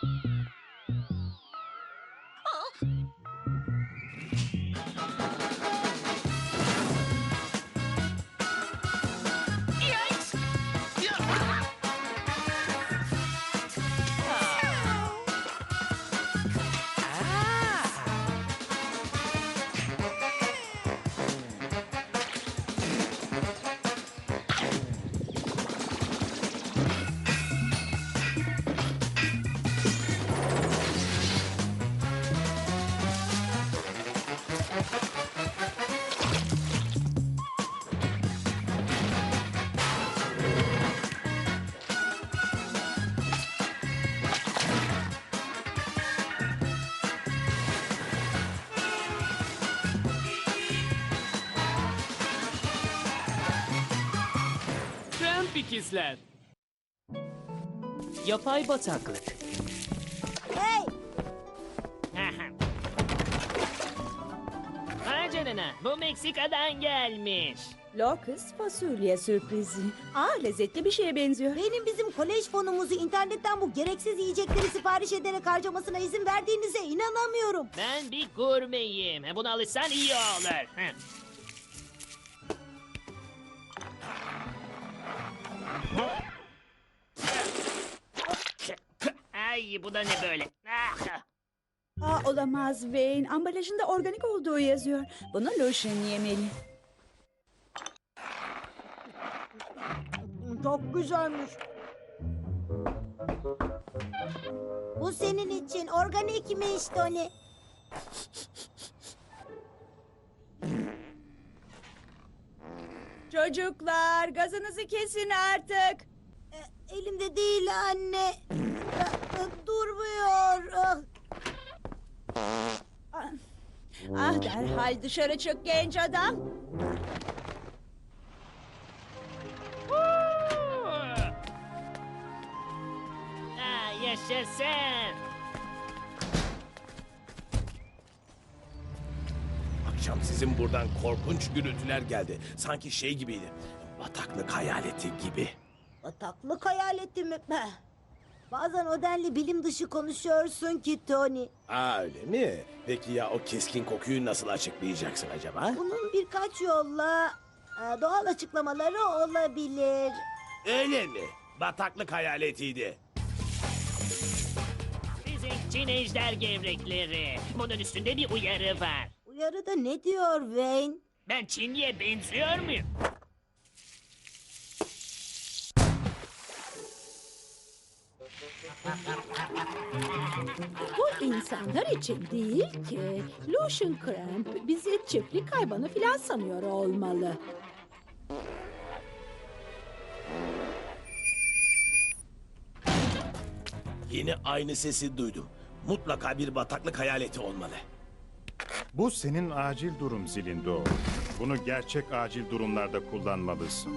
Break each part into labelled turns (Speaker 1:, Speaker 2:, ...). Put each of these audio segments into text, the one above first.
Speaker 1: Yikes!
Speaker 2: Tramp ikizler. Yapay bataklık.
Speaker 3: Hey!
Speaker 1: Vay canına, bu Meksika'dan gelmiş.
Speaker 4: Locust fasulye sürprizi. Lezzetli bir şeye benziyor.
Speaker 3: Benim bizim kolej fonumuzu internetten bu gereksiz yiyecekleri sipariş ederek harcamasına izin verdiğinize inanamıyorum.
Speaker 1: Ben bir gurmeyim. Buna alışsan iyi olur. Ay, bu da ne böyle?
Speaker 4: Olamaz Wayne. Ambalajında organik olduğu yazıyor. Bunu Lucian yemeli.
Speaker 3: Çok güzelmiş. Bu senin için organikmiş Tony.
Speaker 4: Çocuklar gazınızı kesin artık.
Speaker 3: Elimde değil anne. Durmuyor.
Speaker 4: Derhal dışarı çık genç adam.
Speaker 1: Yaşasın.
Speaker 5: Akşam sizin buradan korkunç gürültüler geldi. Sanki şey gibiydi. Bataklık hayaleti gibi.
Speaker 3: Bataklık hayaleti mi? Bazen o denli bilim dışı konuşuyorsun ki Tony.
Speaker 5: Öyle mi? Peki ya o keskin kokuyu nasıl açıklayacaksın acaba?
Speaker 3: Bunun birkaç yolla doğal açıklamaları olabilir.
Speaker 5: Öyle mi? Bataklık hayaletiydi.
Speaker 1: Çin ejder gevrekleri. Bunun üstünde bir uyarı var.
Speaker 3: Uyarıda ne diyor Wayne?
Speaker 1: Ben Çinli'ye benziyor muyum?
Speaker 4: Bu insanlar için değil ki. Lucian Cramp bizi çiftlik hayvanı filan sanıyor olmalı.
Speaker 5: Yine aynı sesi duydum. Mutlaka bir bataklık hayaleti olmalı.
Speaker 6: Bu senin acil durum zilin Doğu. Bunu gerçek acil durumlarda kullanmalısın.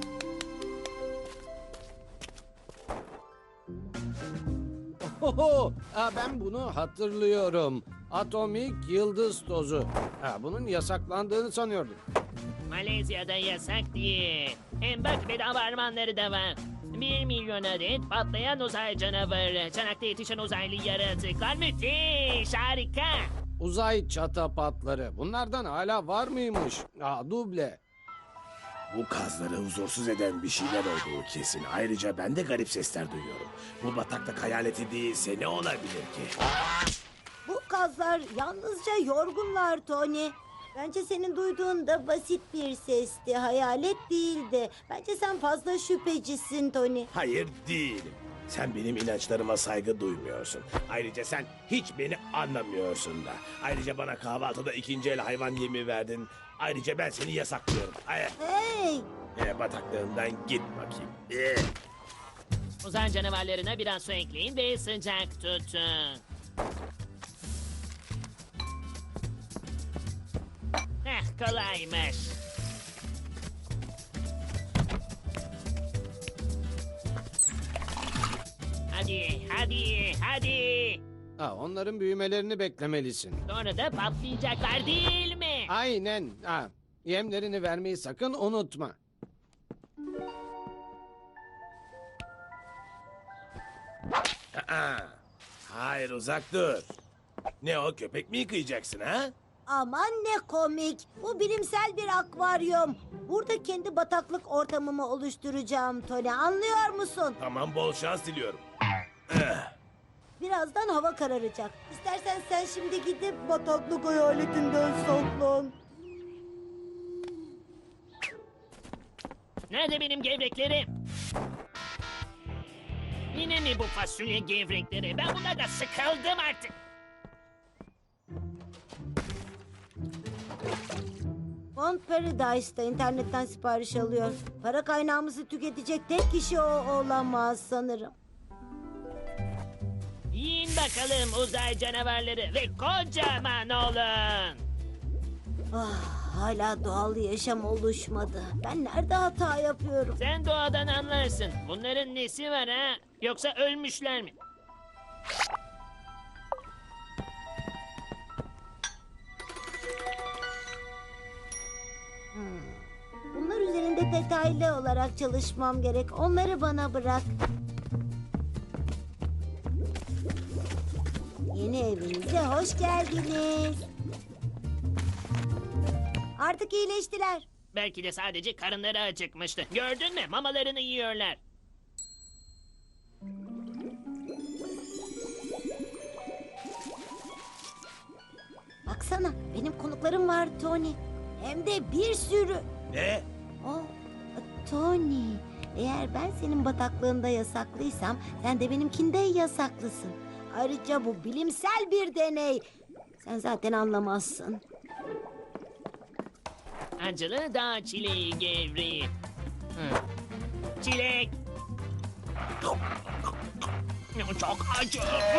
Speaker 7: Oho, ben bunu hatırlıyorum. Atomik yıldız tozu. Bunun yasaklandığını sanıyordum.
Speaker 1: Malezya'da yasak değil. Hem bak bedava armağanları da var. 1 milyon adet patlayan uzay canavarı. Çanakta yetişen uzaylı yaratıklar müthiş, harika.
Speaker 7: Uzay çatapatları. Bunlardan hala var mıymış? Duble.
Speaker 5: Bu kazları huzursuz eden bir şeyler olduğu kesin. Ayrıca ben de garip sesler duyuyorum. Bu bataklık hayaleti değilse ne olabilir ki?
Speaker 3: Bu kazlar yalnızca yorgunlar Tony. Bence senin duyduğun da basit bir sesti, hayalet değildi. Bence sen fazla şüphecisin Tony.
Speaker 5: Hayır değilim. Sen benim inançlarıma saygı duymuyorsun. Ayrıca sen hiç beni anlamıyorsun da. Ayrıca bana kahvaltıda ikinci el hayvan yemi verdin. Ayrıca ben seni yasaklıyorum.
Speaker 3: Hey!
Speaker 5: Bataklığından git bakayım.
Speaker 1: Uzay canavarlarına biraz su ekleyin ve sıcak tutun. Kolaymış. Hadi, hadi, hadi.
Speaker 7: Onların büyümelerini beklemelisin.
Speaker 1: Sonra da patlayacaklar değil mi?
Speaker 7: Aynen. Yemlerini vermeyi sakın unutma.
Speaker 5: Hayır. uzak dur. Ne o, köpek mi yıkayacaksın ha?
Speaker 3: Aman ne komik. Bu bilimsel bir akvaryum. Burada kendi bataklık ortamımı oluşturacağım Tony. Anlıyor musun?
Speaker 5: Tamam, bol şans diliyorum.
Speaker 3: Birazdan hava kararacak. İstersen sen şimdi gidip bataklık hayaletinden saklan.
Speaker 1: Nerede benim gevreklerim? Yine mi bu fasulye gevrekleri? Ben bunlardan sıkıldım artık.
Speaker 3: Font Paradise'da internetten sipariş alıyor. Para kaynağımızı tüketecek tek kişi o olamaz sanırım.
Speaker 1: Yiyin bakalım uzay canavarları ve kocaman olun.
Speaker 3: Hala doğal yaşam oluşmadı. Ben nerede hata yapıyorum?
Speaker 1: Sen doğadan anlarsın. Bunların nesi var ha? Yoksa ölmüşler mi?
Speaker 3: Bunlar üzerinde detaylı olarak çalışmam gerek. Onları bana bırak. Yeni evinize hoş geldiniz. Artık iyileştiler.
Speaker 1: Belki de sadece karınları acıkmıştı. Gördün mü? Mamalarını yiyorlar.
Speaker 3: Baksana, benim konuklarım var Tony. Hem de bir sürü.
Speaker 5: Ne?
Speaker 3: Oh, Tony. Eğer ben senin bataklığında yasaklıysam sen de benimkinde yasaklısın. Ayrıca bu bilimsel bir deney. Sen zaten anlamazsın.
Speaker 1: Acılı dağ çileği gevreği. Çilek. Çok acı.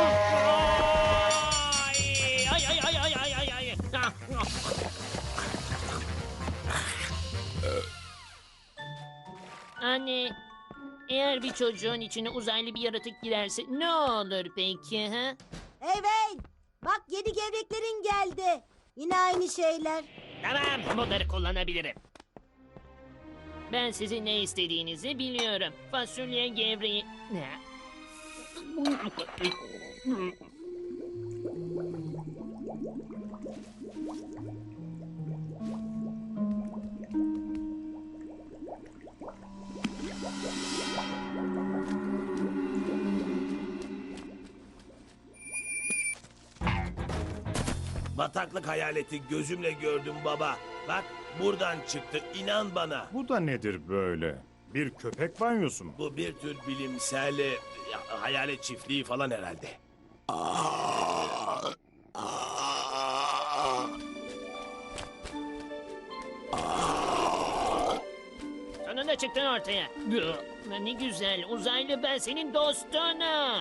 Speaker 1: Ay ay ay ay ay ay ay. Anne, eğer bir çocuğun içine uzaylı bir yaratık girerse ne olur peki ha?
Speaker 3: Evet. Bak yeni gevreklerin geldi. Yine aynı şeyler.
Speaker 1: Tamam, bunları kullanabilirim. Ben sizin ne istediğinizi biliyorum. Fasulye gevreği... Ne?
Speaker 5: Bataklık hayaleti gözümle gördüm baba. Bak, buradan çıktı, inan bana.
Speaker 6: Bu da nedir böyle? Bir köpek banyosu mu?
Speaker 5: Bu bir tür bilimsel hayalet çiftliği falan herhalde.
Speaker 1: Sonunda çıktın ortaya. Ne güzel, uzaylı ben senin dostunum.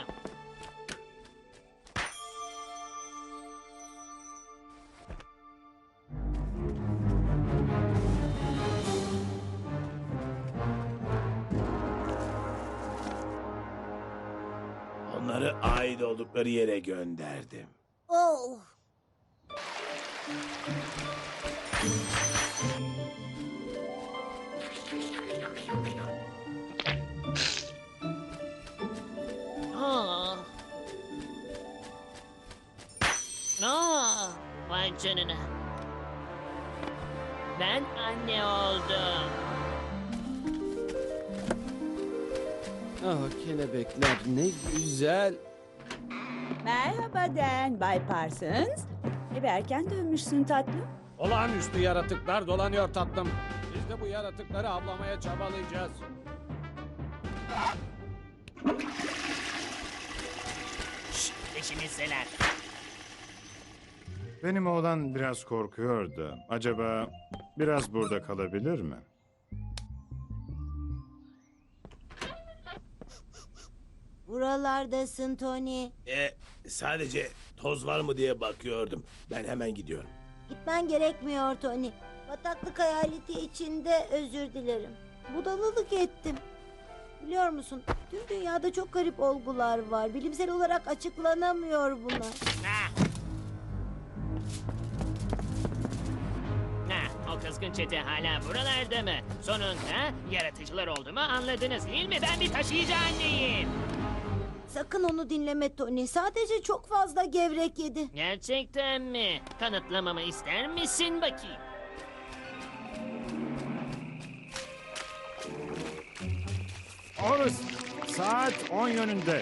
Speaker 5: Onları ait oldukları yere gönderdim.
Speaker 3: Oh.
Speaker 1: Aa. Vay canına. Ben anne oldum.
Speaker 7: Ah kelebekler ne güzel.
Speaker 8: Merhaba Dan, Bay Parsons. Eve erken dönmüşsün tatlım.
Speaker 7: Olağanüstü yaratıklar dolanıyor tatlım. Biz de bu yaratıkları avlamaya çabalayacağız.
Speaker 1: Peşimizdeler.
Speaker 6: Benim oğlan biraz korkuyor da acaba biraz burada kalabilir mi?
Speaker 3: Buralardasın Tony.
Speaker 5: Sadece toz var mı diye bakıyordum. Ben hemen gidiyorum.
Speaker 3: Gitmen gerekmiyor Tony. Bataklık hayaleti içinde özür dilerim. Budalalık ettim. Biliyor musun? Tüm dünyada çok garip olgular var. Bilimsel olarak açıklanamıyor bunlar.
Speaker 1: Ha. O kızgın çete hala buralarda mı? Sonunda yaratıcılar olduğumu anladınız değil mi? Ben bir taşıyıcı anneyim.
Speaker 3: Sakın onu dinleme Tony. Sadece çok fazla gevrek yedi.
Speaker 1: Gerçekten mi? Kanıtlamamı ister misin bakayım?
Speaker 6: Horus, saat 10 yönünde.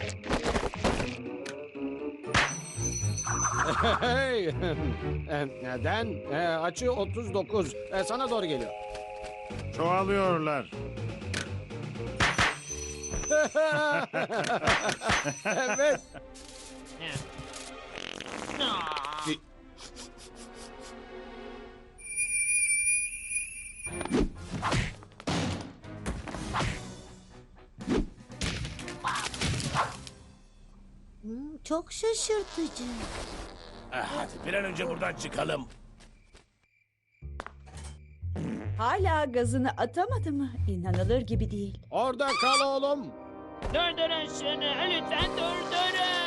Speaker 7: Hey! Neden? Açı 39. Sana doğru geliyor.
Speaker 6: Çoğalıyorlar.
Speaker 7: Evet.
Speaker 1: Heh. Aa!
Speaker 3: Çok şaşırtıcı.
Speaker 5: Hadi bir an önce buradan çıkalım.
Speaker 8: Hala gazını atamadı mı? İnanılır gibi değil.
Speaker 7: Orada kal oğlum.
Speaker 1: Durdurun şunu. Lütfen durdurun.